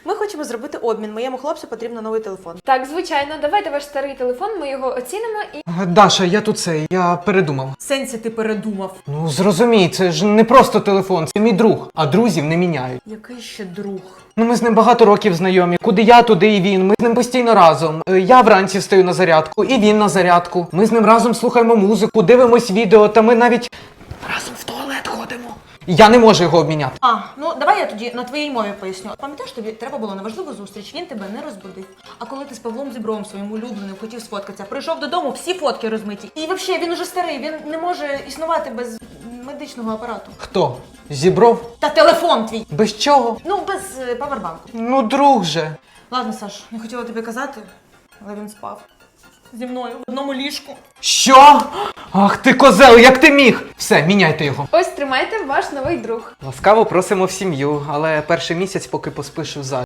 Ми хочемо зробити обмін. Моєму хлопцю потрібно новий телефон. Так, звичайно, давайте ваш старий телефон, ми його оцінимо і... Даша, я передумав. Сенсі ти передумав. Ну, зрозумій, це ж не просто телефон, це мій друг, а друзів не міняють. Який ще друг? Ну, ми з ним багато років знайомі. Куди я, туди і він. Ми з ним постійно разом. Я вранці встаю на зарядку, і він на зарядку. Ми з ним разом слухаємо музику, дивимось відео, та ми навіть разом в туалет ходимо. Я не можу його обміняти. Ну давай я тоді на твоїй мові поясню. Пам'ятаєш, тобі треба було на важливу зустріч, він тебе не розбудив. А коли ти з Павлом Зібровим, своїм улюбленим, хотів сфоткатися, прийшов додому, всі фотки розмиті. І взагалі, він уже старий, він не може існувати без медичного апарату. Хто? Зібров? Та телефон твій! Без чого? Ну, без павербанку. Ну, друг же. Ладно, Саш, не хотіла тобі казати, але він спав. Зі мною в одному ліжку. Що? Ах ти козел, як ти міг? Все, міняйте його. Ось, тримайте ваш новий друг. Ласкаво просимо в сім'ю, але перший місяць поки поспиш в залі.